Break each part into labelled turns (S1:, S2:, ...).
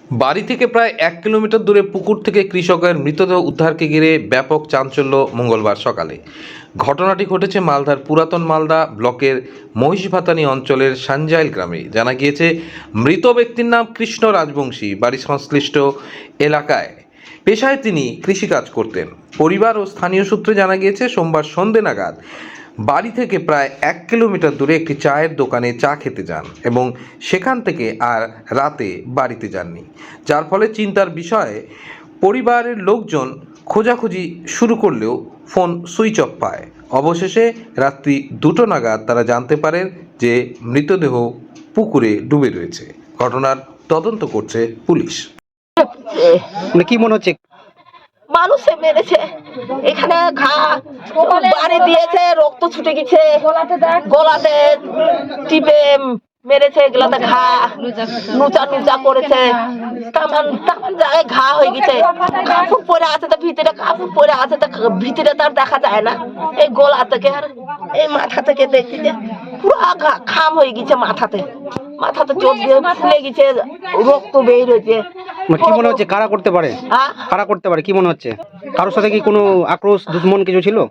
S1: বাড়ি থেকে প্রায় 1 কিলোমিটার দূরে পুকুর থেকে কৃষকের মৃতদেহ উদ্ধারকে ঘিরে ব্যাপক চাঞ্চল্য মঙ্গলবার সকালে। ঘটনাটি ঘটেছে মালদার পুরাতন মালদা ব্লকের মহিষভাতানি অঞ্চলের সানজাইল গ্রামে। জানা গিয়েছে, মৃত ব্যক্তির নাম কৃষ্ণ রাজবংশী। বাড়ি সংশ্লিষ্ট এলাকায় পেশায় তিনি কৃষিকাজ করতেন। পরিবার ও স্থানীয় সূত্রে জানা গিয়েছে, সোমবার সন্ধে নাগাদ বাড়ি থেকে প্রায় 1 কিলোমিটার দূরে একটি চায়ের দোকানে চা খেতে যান এবং সেখান থেকে আর রাতে বাড়িতে যাননি, যার ফলে চিন্তার বিষয়ে পরিবারের লোকজন খোঁজাখুঁজি শুরু করলেও ফোন সুইচ অফ পায়। অবশেষে রাত্রি 2টো নাগাদ তারা জানতে পারেন যে মৃতদেহ পুকুরে ডুবে রয়েছে। ঘটনার তদন্ত করছে পুলিশ।
S2: কি মনে হচ্ছে?
S3: মানুষে মেরেছে, এখানে ঘা বাড়ি দিয়েছে, রক্ত ছুটে গেছে, গলাতে টিপে মেরেছে, এগুলাতে ঘা নুচা নুচা করেছে, তামান তামান জায়গায় ঘা হয়ে গেছে। কাপড় পরে আছে, তো ভিতরে কাপড় পরে আছে, তো ভিতরে তার দেখা যায় না। এই গলা থেকে আর এই মাথা থেকে দেখছি যে পুরো খাম হয়ে গেছে, মাথাতে চোখ দিয়ে ফুলে গেছে, রক্ত বের হয়েছে।
S2: কি মনে হচ্ছে কারা করতে পারে? কারা করতে পারে কি মনে হচ্ছে? কারোর সাথে কি কোনো আক্রোশ দুশ্মন কিছু ছিল?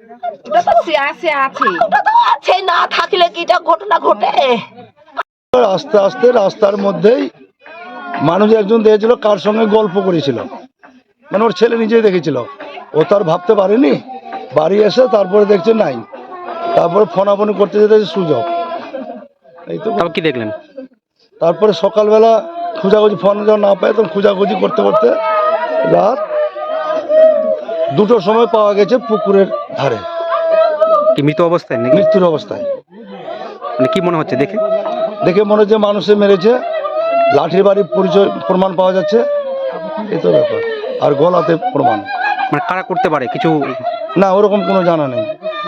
S3: আছে, না থাকলে কি এটা ঘটনা ঘটে?
S4: আস্তে আস্তে রাস্তার মধ্যেই মানুষ একজন দেখেছিল, কার সঙ্গে গল্প করেছিল, মানে ওর ছেলে নিজেই দেখেছিল। ও তার ভাবতে পারেনি, বাড়ি এসে তারপরে দেখছে নাই, তারপরে ফোনাফোনি করতে যেতে সুযোগ এই তো।
S2: কি দেখলেন?
S4: তারপরে সকালবেলা খোঁজাখুঁজি, ফোন যখন না পায় তখন খোঁজাখুঁজি করতে করতে রাত 2টোর সময় পাওয়া গেছে পুকুরের ধারে।
S2: কি মৃত অবস্থায় নাকি?
S4: মৃত্যুর অবস্থায়।
S2: মানে কি মনে হচ্ছে
S4: দেখে মনে হচ্ছে মানুষে মেরেছে। লাঠির বাড়ির পরিচয় প্রমাণ পাওয়া যাচ্ছে, এই তো ব্যাপার। আর গলাতে প্রমাণ।
S2: মানে কারা করতে পারে কিছু?
S4: না, ওরকম কোনো জানা নেই।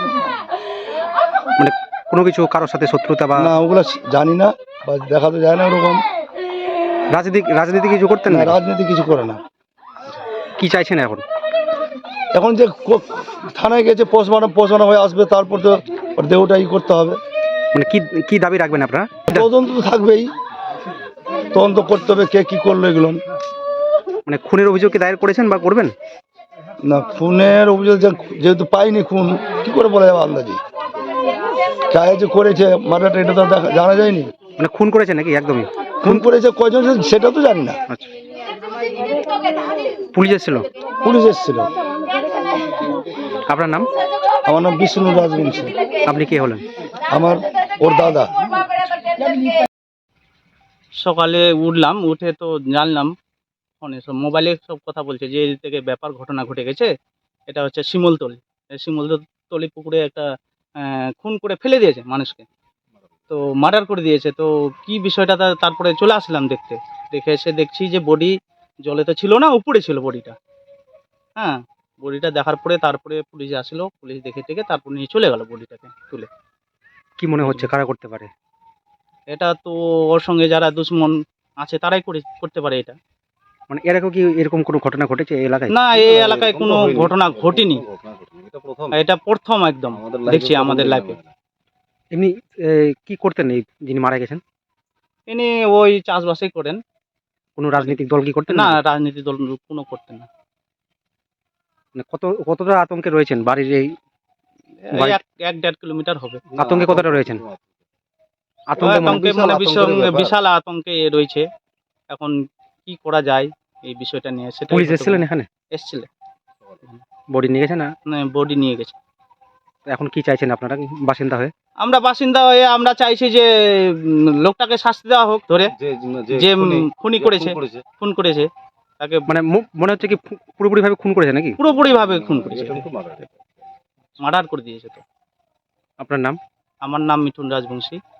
S2: মানে কোনো কিছু কারোর সাথে শত্রুতা বা?
S4: না, ওগুলো জানি না, বা দেখা তো যায় না। ওরকম
S2: রাজনীতি কিছু করতেন
S4: না,
S2: না?
S4: রাজনীতি কিছু করে না।
S2: কি চাইছেন এখন?
S4: এখন যে থানায় গেছে, পোস্টমার্টম হয়ে আসবে, তারপর তো ওর দেহটা করতে হবে।
S2: মানে কি দাবি রাখবেন আপনারা?
S4: তদন্ত তো থাকবেই, তদন্ত করতে হবে কে কি করলো এগুলো।
S2: মানে খুনের অভিযোগ কি দায়ের করেছেন বা করবেন?
S4: না, খুনের অভিযোগ যেহেতু পাইনি, খুন কি করে বলা যাবে আন্দাজি? চায় যে করেছে মার্ডারটা, এটা তো জানা যায়নি।
S2: মানে খুন করেছে নাকি? একদমই
S4: খুন করেছে, কয়জন সেটা তো জানি না।
S2: আচ্ছা, পুলিশ এসেছিল?
S4: পুলিশ এসেছিল।
S2: আপনার নাম?
S4: আমার নাম বিষ্ণু রাজবংশী।
S2: আপনি কে হলেন?
S4: আমার ওর দাদা।
S5: সকালে উঠলাম, উঠে তো জানলাম ফোনে সব মোবাইলে সব কথা বলছে যে এই থেকে ব্যাপার ঘটনা ঘটে গেছে। এটা হচ্ছে শিমলতলি। শিমলতলি পুকুরে একটা খুন করে ফেলে দিয়েছে মানুষকে, তো মার্ডার করে দিয়েছে। তো কি বিষয়টা, তারপরে চলে আসলাম দেখতে। দেখে এসে দেখছি যে বডি জলে তো ছিল না, উপরে ছিল বডিটা। হ্যাঁ, বডিটা দেখার পরে তারপরে পুলিশ আসলো, পুলিশ দেখে টেকে তারপর নিয়ে চলে গেল বডিটাকে তুলে।
S2: কি মনে হচ্ছে কারা করতে পারে?
S5: এটা তো ওর সঙ্গে যারা দুশ্মন আছে তারাই করতে পারে এটা।
S2: মানে এর আগেও কি এরকম কোনো ঘটনা ঘটেছে এই এলাকায়?
S5: না, এই এলাকায় কোনো ঘটনা ঘটেনি, এটা প্রথম একদম দেখছি আমাদের লাইফে।
S2: এমনি কি করতেন এই যিনি মারা গেছেন?
S5: ইনি ওই চাষবাসই করেন।
S2: কোনো রাজনৈতিক দল কি করতেন
S5: না,
S2: না?
S5: রাজনীতি দল কোনো করতেন না।
S2: মানে কতটা আতঙ্কে রয়েছেন বাড়ির এই?
S5: এই 1-1.5 কিলোমিটার হবে।
S2: আতঙ্কে কতটা রয়েছেন?
S5: আতঙ্কে মানে বিশাল আতঙ্কে রয়েছে। এখন কি করা যায় এই বিষয়টা নিয়ে, সেটা
S2: পুলিশ এসেছিলেন এখানে?
S5: এসেছিল,
S2: বডি নিয়ে গেছে না?
S5: বডি নিয়ে গেছে।
S2: এখন কি চাইছেন আপনারা বাসিন্দা হয়ে?
S5: আমরা বাসিন্দা হয়ে আমরা চাইছি যে লোকটাকে শাস্তি দেওয়া হোক, ধরে যে খুন করেছে তাকে।
S2: মানে মনে হচ্ছে কি পুরোপুরি ভাবে খুন করেছে নাকি?
S5: পুরোপুরি ভাবে খুন করেছে, মার্ডার করে দিয়েছে। তো
S2: আপনার নাম?
S5: আমার নাম মিঠুন রাজবংশী।